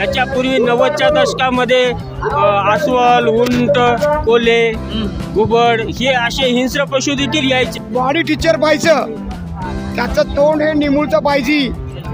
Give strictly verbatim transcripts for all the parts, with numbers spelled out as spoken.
याच्यापूर्वी नव्वदच्या दशकामध्ये अस्वल, उंट, कोल्हे, घुबड हे असे हिंस्र पशु देखील यायचे. बॉडी टीचर पाहिजे, त्याचं तोंड हे निमुळतं पाहिजे,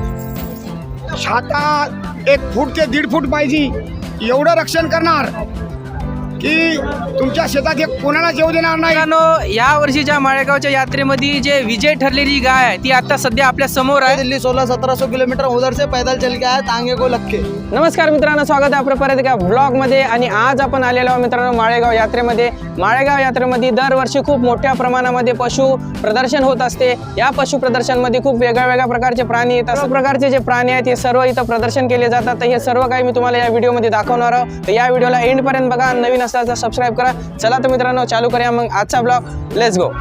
छाता एक फूट ते दीड फूट पाहिजे, एवढं रक्षण करणार की तुमच्या शेतात एक कोणाला जेव देणार नाही. मित्रांनो, या वर्षीच्या माळेगावच्या यात्रेमध्ये जे विजय ठरलेली गाय आहे ती आता सध्या आपल्या समोर आहे. दिल्ली सोलह सत्रह सौ किलोमीटर उधर से पैदल चल के आया तांगे को लक्के. नमस्कार मित्रांनो, स्वागत आहे आपलं परत एका ब्लॉगमध्ये. आणि आज आपण आलेलो आहोत मित्रांनो माळेगाव यात्रेमध्ये. माळेगाव यात्रेमध्ये दरवर्षी खूप मोठ्या प्रमाणामध्ये पशु प्रदर्शन होत असते. या पशु प्रदर्शनमध्ये खूप वेगळ्या वेगळ्या प्रकारचे प्राणी येतात. सर्व प्रकारचे जे प्राणी आहेत हे सर्व इथं प्रदर्शन केले जातात. तर हे सर्व काही मी तुम्हाला या व्हिडिओमध्ये दाखवणार आहोत. तर या व्हिडिओला एंडपर्यंत बघा. नवीन असल्यास सबस्क्राईब करा. चला तर मित्रांनो चालू करूया मग आजचा ब्लॉग. Let's go.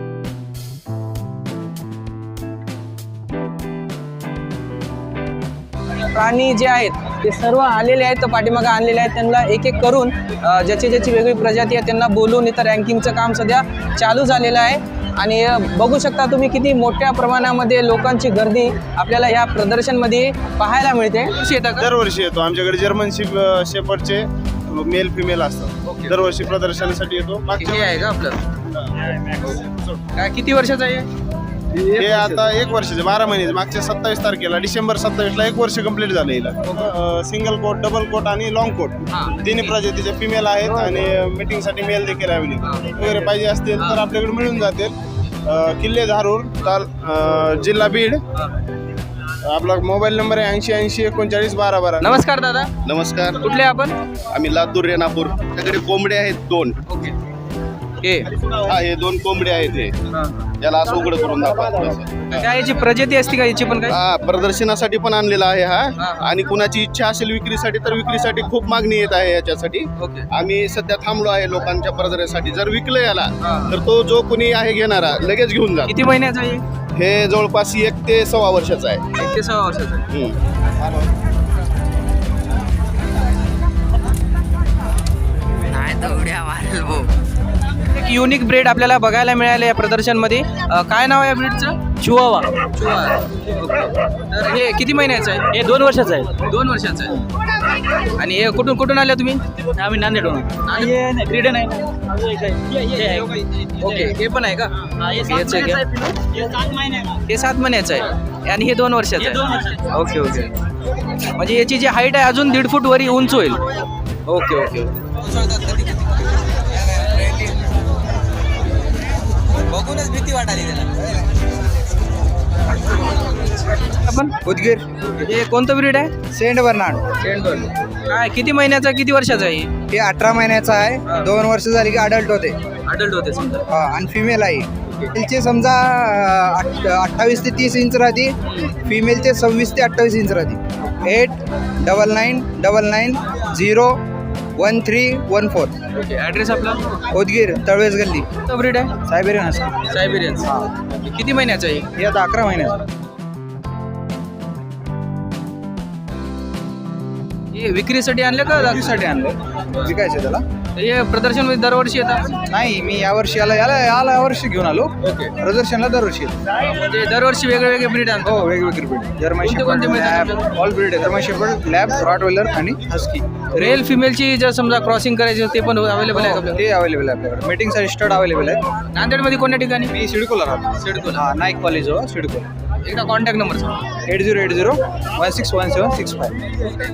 प्राणी जे आहेत ते सर्व आलेले आहेत, तर पाठीमागे आणलेले आहेत. त्यांना एक एक करून अ, ज्याची ज्याची वेगळी प्रजाती आहे त्यांना बोलून इथं रँकिंगचं काम सध्या चालू झालेलं आहे. आणि अ, बघू शकता तुम्ही किती मोठ्या प्रमाणामध्ये लोकांची गर्दी आपल्याला ह्या प्रदर्शनमध्ये पाहायला मिळते. येतं का? दरवर्षी येतो. आमच्याकडे जर्मन शिप शेपर्डचे मेल फिमेल असतात. दरवर्षी प्रदर्शनासाठी येतो. मागच्या हे आहे का आपलं काय किती वर्षाचं आहे? हे आता एक वर्षाचे बारा महिन्याचे. मागच्या सत्तावीस तारखेला डिसेंबर सत्तावीस ला एक वर्ष कंप्लीट झालं. हिला सिंगल कोट, डबल कोट आणि लॉंग कोट तिन्ही प्रजातीचे फिमेल आहेत. आणि मीटिंग साठी मेल देखील अवेलेबल वगैरे पाहिजे असतील तर आपल्याकडे मिळून जातील. अं, किल्ले धारूर, ताल अं, जिल्हा बीड. आपला मोबाईल नंबर आहे ऐंशी ऐंशी एकोणचाळीस बारा बारा. नमस्कार दादा, नमस्कार. कुठले आपण? आम्ही लातूर रेणापूर. त्याकडे कोंबडे आहेत दोन. ओके. हे हा, हे दोन कोंबडे आहेत. हे याला असं उघड करून दाखवा. काय याची प्रजाती असते का याची पण काय? हा, प्रदर्शनासाठी पण आणलेला आहे हा. आणि कुणाची इच्छा असेल विक्रीसाठी तर विक्रीसाठी खूप मागणी येत आहे याच्यासाठी. ओके. आम्ही सध्या थांबलो आहे लोकांच्या प्रदर्शनासाठी. जर विकलं याला तर तो जो कोणी आहे घेणारा लगेच घेऊन जा. किती महिन्याचं आहे? हे जवळपास एक ते सव्वा वर्षाचं आहे. एक ते सहा वर्षाचं आहे. हम्म. एक युनिक ब्रीड आपल्याला बघायला मिळालं या प्रदर्शनमध्ये. अ, काय नाव आहे या ब्रीडचं? चिवावा. तर हे किती महिन्याचं आहे? हे दोन वर्षाचं आहे. दोन वर्षाचं आहे. आणि हे कुठून कुठून आले तुम्ही? आम्ही नांदेडहून. ब्रीडन आहे. ओके. हे पण आहे का? हेच आहे का? हे सात महिन्याचं आहे आणि हे दोन वर्षाचं आहे. Okay okay. म्हणजे याची जी हाईट आहे अजून दीड फूट वरी उंच होईल. Okay okay. बघूनच भीती वाटाली त्याला. आपण उदगीर हे कोणतं ब्रीड आहे? Saint Bernard. काय किती महिन्याचा किती वर्षाचा आहे? हे अठरा महिन्याचा आहे. दोन वर्ष झाली की अडल्ट होते. अडल्ट होते समजा. हा, आणि फिमेल आहे. मेलचे समजा अठ्ठावीस ते तीस इंच राहते. फिमेलचे सव्वीस ते अठ्ठावीस इंच राहते. Eight double nine double nine zero one three one four. Okay. Address आपला? उदगीर तळवेस गल्ली. कोणतं ब्रीड आहे? Siberian husky. सायबेरियन. किती महिन्याचं आहे? हे आता अकरा महिन्याचा. हे विक्रीसाठी आणलं का? विक्रीसाठी आणलं. विकायचं त्याला. हे प्रदर्शन मध्ये दरवर्षी येतात? नाही, मी यावर्षी याला याला याला यावर्षी घेऊन आलो. ओके. प्रदर्शनला दरवर्षी येतो. म्हणजे दरवर्षी वेगळे वेगळे ब्रीड आणतो. हो, वेगवेगळे ब्रीड. जर्मन कोणते कोणते शेपर्ड, मिळतात लॅब, ऑल ब्रीड आहे. जर्मन शेपर्ड, लॅब, रॉटवेलर आणि हस्की. रेल फिमेलची जर समजा क्रॉसिंग करायची ते पण अवेलेबल आहे का? ते अवेलेबल आहे आपल्याकडे. मीटिंगसाठी स्टड अवेलेबल आहे. नांदेडमध्ये कोणत्या ठिकाणी? मी सिडकोला राहतो. सिडकोला. हा, नाईक कॉलेज हो सिडकोला. एकदा कॉन्टॅक्ट नंबर सांगा. Eight zero eight zero one six one seven six five.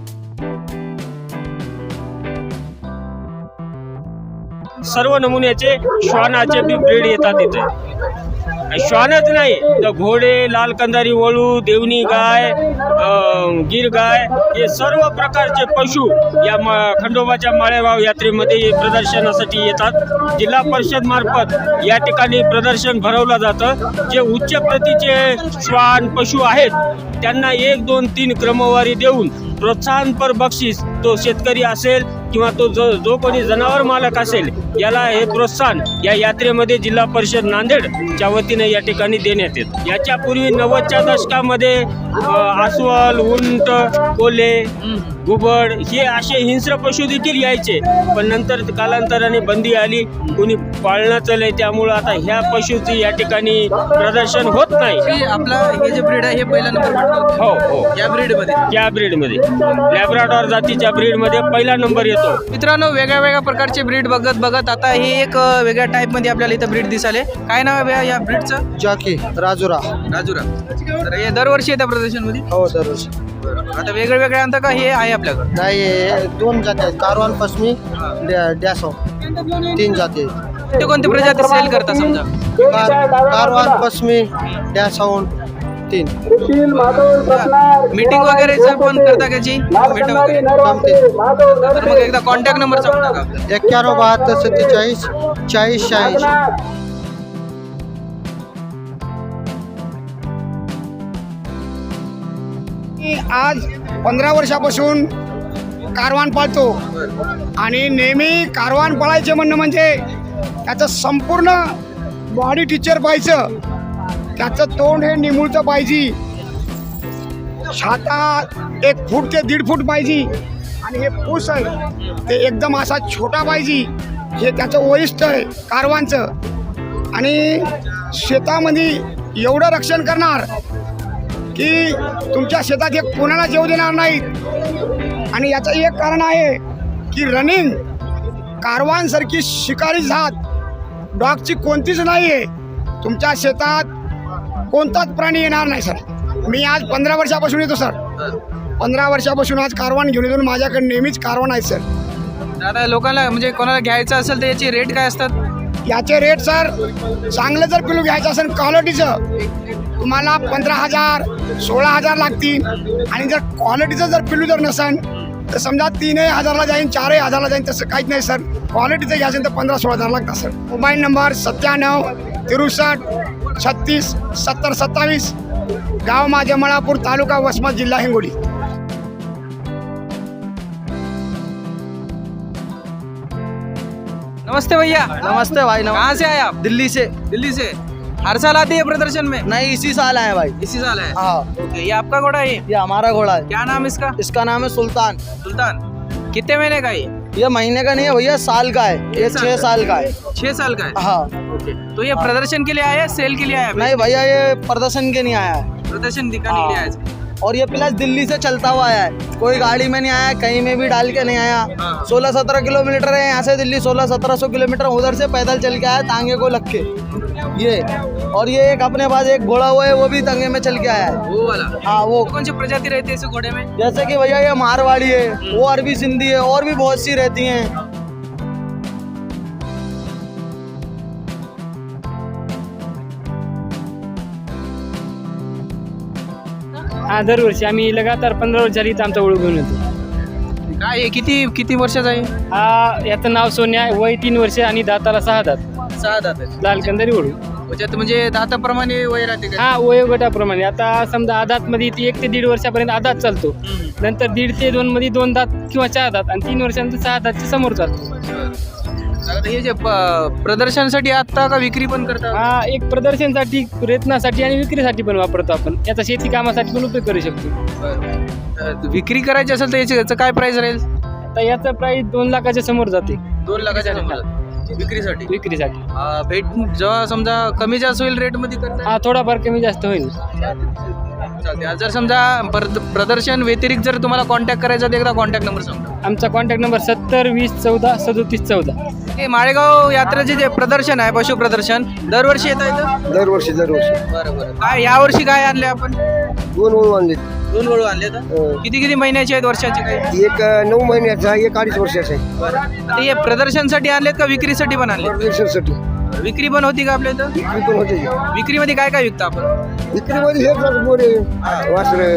सर्व नमुन्याचे श्वानाचे बी ब्रीड येतात इथे. श्वानच नाही तर घोडे, लाल कंदारी वळू, देवणी गाय, अं, गिर गाय हे सर्व प्रकारचे पशु या मा खंडोबाच्या माळेगाव यात्रेमध्ये प्रदर्शनासाठी येतात. जिल्हा परिषद मार्फत या ठिकाणी प्रदर्शन भरवलं जातं. जे उच्च प्रतीचे श्वान पशु आहेत त्यांना एक दोन तीन क्रमवारी देऊन प्रोत्साहनपर बक्षीस तो शेतकरी असेल किंवा तो जो जो कोणी जनावर मालक असेल याला हे प्रोत्साहन या यात्रेमध्ये जिल्हा परिषद नांदेडच्या वतीने या ठिकाणी देण्यात येतं. याच्यापूर्वी नव्वदच्या दशकामध्ये अस्वल, उंट, कोल्हे, घुबड हे असे हिंस्र पशु देखील यायचे. पण नंतर कालांतराने बंदी आली. कोणी पाळणं चालू आहे, त्यामुळं आता ह्या पशुची या ठिकाणी प्रदर्शन होत नाही. हे आपला हे जे ब्रीड आहे हे पहिला नंबर हो हो या ब्रीड मध्ये. त्या ब्रीडमध्ये लॅब्राडॉर जातीच्या ब्रीडमध्ये पहिला नंबर येतो. मित्रांनो, वेगळ्या वेगळ्या प्रकारचे ब्रीड बघत बघत आता हे एक अ, वेगळ्या टाईप मध्ये आपल्याला इथं ब्रीड दिसाले. काय नाव आहे भैया या ब्रीडचं? जॉकी राजुरा. राजुरा. तर हे दरवर्षी येत्या प्रदर्शन मध्ये. हो दररोज. आता वेगळे वेगळे आणता का हे आहे आपल्याकडे? नाही हे दोन जाती आहेत, कारवान पश्मी डॅसो, तीन जाती आहेत. ते कोणते प्रजाती सेल करता समजा? कार कारवान पश्मी डॅसाऊन तीन. मीटिंग वगैरे पण करता त्याची भेट वगैरे? जमते. तर मग एकदा कॉन्टॅक्ट नंबर सांगू टाका. एक्क्याण्णव बहात्तर सत्तेचाळीस चाळीस शहाऐंशी. मी आज पंधरा वर्षापासून कारवान पाळतो आणि नेहमी कारवान पाळायचे म्हणणं म्हणजे त्याचं संपूर्ण बॉडी टीचर पाहिजे, त्याचं तोंड हे निमुळतं पाहिजे, छाता एक फूट ते दीड फूट पाहिजे आणि हे पूस आहे ते एकदम असा छोटा पाहिजे. हे त्याचं वैशिष्ट्य आहे कारवांचं. आणि शेतामध्ये एवढं रक्षण करणार की तुमच्या शेतात एक कोणाला जेव देणार नाहीत. आणि याचं एक कारण आहे की रनिंग कारवांसारखी शिकारी जात डॉगची कोणतीच नाही आहे. तुमच्या शेतात कोणताच प्राणी येणार नाही सर. मी आज पंधरा वर्षापासून येतो सर. पंधरा वर्षापासून आज कारवान घेऊन येतो. माझ्याकडे नेहमीच कारवान आहे सर. आता लोकांना म्हणजे कोणाला घ्यायचं असेल तर याची रेट काय असतात? याचे रेट सर चांगलं जर पिलू घ्यायचं असेल क्वालिटीचं तुम्हाला पंधरा हजार सोळा हजार लागतील. आणि जर क्वालिटीचं जर पिलू जर नसेल तर समजा तीनही हजारला जाईन चारही हजारला जाईन, तसं काहीच नाही सर. क्वालिटीचं घ्यायचं तर पंधरा सोळा हजार लागतात सर. मोबाईल नंबर सत्त्याण्णव तिरुसष्ट छत्तीस सत्तर सत्तावीस. गाव माझे मळापूर, तालुका वसमत, जिल्हा हिंगोली. नमस्ते भैया. नमस्ते भाई. कहाँ से आए आप? दिल्ली से. दिल्ली से. हर साल आती है प्रदर्शन में? नहीं इसी साल आए भाई. इसी साल है. हाँ ओके, ये आपका घोड़ा है? ये हमारा घोड़ा है. क्या नाम इसका? इसका नाम है सुल्तान. सुल्तान. कितने महीने का ये? ये महीने का नहीं है भैया, साल का है. ये साल छह का? साल का है. छह साल का है. हाँ. ओके, तो ये प्रदर्शन के लिए आया है सेल के लिए आया है? नहीं भैया ये प्रदर्शन के नहीं आया है. प्रदर्शन दिखाने के लिए आया है. और ये प्लस दिल्ली से चलता हुआ आया है. कोई गाड़ी में नहीं आया, कहीं में भी डाल के नहीं आया. हाँ. सोलह सत्रह किलोमीटर है यहाँ से दिल्ली. सोलह सत्रह सौ किलोमीटर उधर से पैदल चल के आया तांगे को लग के ये. और ये एक अपने पास एक घोड़ा हुआ है वो भी तांगे में चल के आया है. वो वाला. हाँ वो. कौन सी प्रजाति रहती है इस घोड़े में? जैसे कि भैया ये मारवाड़ी है, वो अरबी सिंधी है, और भी बहुत सी रहती हैं. हा दरवर्षी आम्ही लगातार पंधरा वर्ष झाली इथं आमचा ओळख घेऊन येतो. काय आहे? किती किती वर्षाचा आहे? हा याचं नाव सोन्या आहे, वय तीन वर्ष आणि दाताला सहा दात, सहा दात आहे. लाल कंदारी ओढू. त्याच्यात म्हणजे दाताप्रमाणे वय राहते का? हा वयोगटाप्रमाणे आता समजा आदात मध्ये ती एक ते दीड वर्षापर्यंत आदात चालतो, हम्म. नंतर दीड ते दोन मध्ये दोन दात किंवा चार दात आणि तीन वर्षानंतर सहा दातच्या समोर चालतो. आता हे जे प- प्रदर्शनासाठी आता का विक्री पण करता? हा एक प्रदर्शनासाठी, प्रयत्नासाठी आणि विक्रीसाठी पण वापरतो आपण. याचा शेती कामासाठी पण उपयोग करू शकतो. अ, विक्री करायची असेल तर याची याचं काय प्राइस राहील? तर याचं प्राईस दोन लाखाच्या समोर जाते दोन लाखाच्या समजा विक्रीसाठी. विक्रीसाठी. अ, भेट जेव्हा समजा कमी जास्त होईल रेट मध्ये करता हा थोडाफार कमी जास्त होईल. चालते. आज जर समजा प्रद- प्रदर्शन व्यतिरिक्त जर तुम्हाला कॉन्टॅक्ट करायचा तर एकदा कॉन्टॅक्ट नंबर सांगा. आमचा कॉन्टॅक्ट नंबर सत्तर वीस चौदा सदोतीस चौदा. हे माळेगाव यात्रेचे जे प्रदर्शन आहे, पशु प्रदर्शन, दरवर्षी येतं इथं? दरवर्षी दरवर्षी बरं बरं. काय यावर्षी काय आणले आपण? दोन वळू आणले. दोन वळू आणले तर किती किती महिन्याचे आहेत, वर्षाचे काही? एक नऊ महिन्याचा, एक अडीच वर्षाचा आहे. आता हे प्रदर्शनसाठी आणलेत का विक्रीसाठी पण आणले? प्रदर्शनासाठी विक्री पण होती का आपल्या इथं? विक्री पण होते. विक्रीमध्ये काय काय विकता आपण? विक्रीमध्ये हे मोरे वासरे.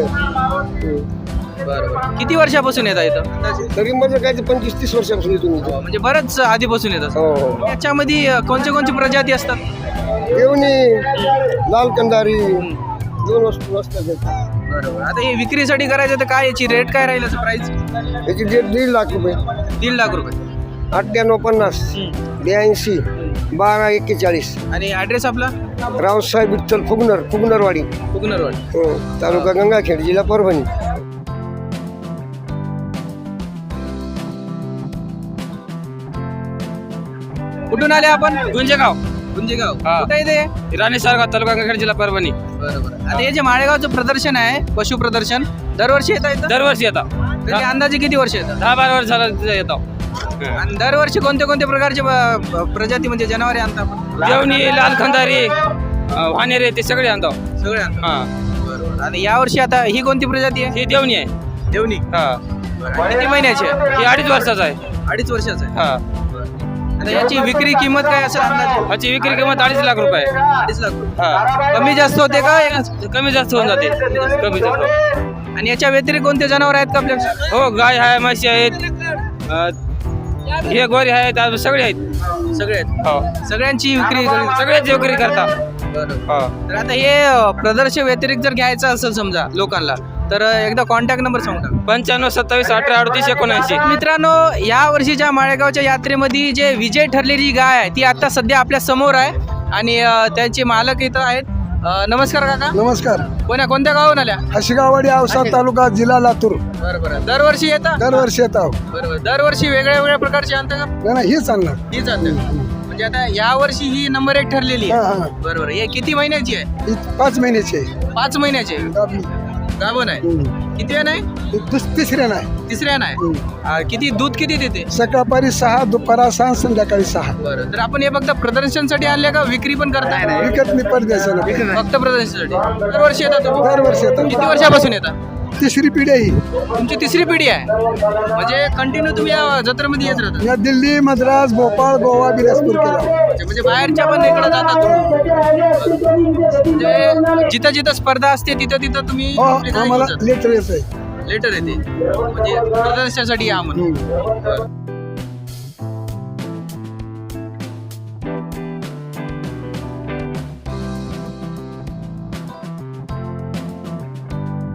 किती वर्षापासून येतात इथं? तरी म्हणजे काय पंचवीस तीस वर्षापासून येतो मी. म्हणजे बरंच आधीपासून येतात. हो हो. याच्यामध्ये अ, कोणत्या कोणत्या प्रजाती असतात? देवणी, लाल कंदारी, दोन वस्तू असतात. बरोबर. आता हे विक्रीसाठी करायचं तर काय याची रेट काय राहील, असं प्राइस? याची डेट दीड लाख रुपये. दीड लाख रुपये. अठ्ठ्याण्णव पन्नास ब्याऐंशी बारा एक्केचाळीस. आणि ॲड्रेस आपला? रावसाहेब विठ्ठल फुगनर, फुगनरवाडी, कुकनरवाडी. हो, तालुका गंगाखेड, जिल्हा परभणी. कुठून आले आपण? गुंजेगाव गुंजेगाव. हा. कुठे येते? राणे सारगाव तालुका गंगाखेड जिल्हा परभणी. बरोबर. आता हे जे माळेगावचं प्रदर्शन आहे पशु प्रदर्शन दरवर्षी येतं इथं? दरवर्षी येतात. तरी अंदाजे किती वर्ष येतात? दहा बारा वर्ष झालं तिथे येतो. आणि दरवर्षी कोणत्या कोणत्या प्रकारचे ब- प्रजाती म्हणजे जनावरे आणता आपण? देवणी, लाल खंदारी, वानेरे ते सगळे आणतो. सगळे आणता. हा, बरोबर. आणि यावर्षी आता ही कोणती प्रजाती आहे? ही देवणी आहे. देवणी. हा, किती महिन्याची आहे? ही अडीच वर्षाचा आहे. अडीच वर्षाचं आहे. हा, आता याची विक्री किंमत काय असेल अंदाजे? ह्याची विक्री किंमत अडीच लाख रुपये आहे. अडीच लाख रुपये. हा, कमी जास्त होते का? कमी जास्त होऊन जाते. कमी जास्त. आणि याच्या व्यतिरिक्त कोणते जनावर आहेत का आपल्याकडे? हो, गाय आहे, म्हशी आहेत, अं, हे गोरे आहेत, अजून सगळे आहेत. सगळे आहेत. हो, सगळ्यांची विक्री सगळेच विक्री करता. बरोबर. हो. तर आता हे अ, प्रदर्शन व्यतिरिक्त जर घ्यायचं असेल समजा लोकांना तर अ, एकदा कॉन्टॅक्ट नंबर सांगता. पंच्याण्णव सत्तावीस अठरा अडतीस एकोणऐंशी. मित्रांनो, या वर्षीच्या माळेगावच्या यात्रेमध्ये जे विजय ठरलेली गाय आहे ती आता सध्या आपल्या समोर आहे आणि अ, त्यांचे मालक इथं आहेत. अ, नमस्कार काका. नमस्कार. कोण्या कोणत्या गावून आल्या? हशिगावाडी औसा तालुका जिल्हा लातूर. बरोबर. दरवर्षी येतात? दरवर्षी येत आहोत. बरोबर. दरवर्षी वेगळ्या वेगळ्या प्रकारचे आणता का? नाही नाही, हीच आणणार. ही जाते म्हणजे आता या वर्षी ही नंबर एक ठरलेली हा आहे. हा, बरोबर. हे किती महिन्याची आहे? ही पाच महिन्याची आहे. पाच महिन्याची आहे. गाभणी. गाभण आहे. हम्म. किती नाही? ही दुस- तिसऱ्या नाही. तिसऱ्या नाही. हम्म. आ, किती दूध किती देते? सकाळपारी सहा, दुपारा सहा, संध्याकाळी सहा. बरं. तर आपण हे फक्त प्रदर्शनसाठी आणले का विक्री पण करताय? विकत मी परदेशाला. फक्त प्रदर्शनासाठी. दरवर्षी येतात तुम्ही? दरवर्षी येतात. किती वर्षापासून येतात? तिसरी पिढी आहे ही. तुमची तिसरी पिढी आहे म्हणजे कंटिन्यू तुम्ही या जत्रेमध्ये येत राहता या दिल्ली, मद्रास, भोपाळ, गोवा, बिलासपूर केला. म्हणजे बाहेरच्या पण इकडे जातात तुम्ही म्हणजे जिथं जिथं स्पर्धा असते तिथं तिथं तुम्ही हो, आपली गाय आम्हाला घेऊन लेटर येत आहे. जाता. लेटर येते म्हणजे प्रदर्शनासाठी या म्हणून. बरं.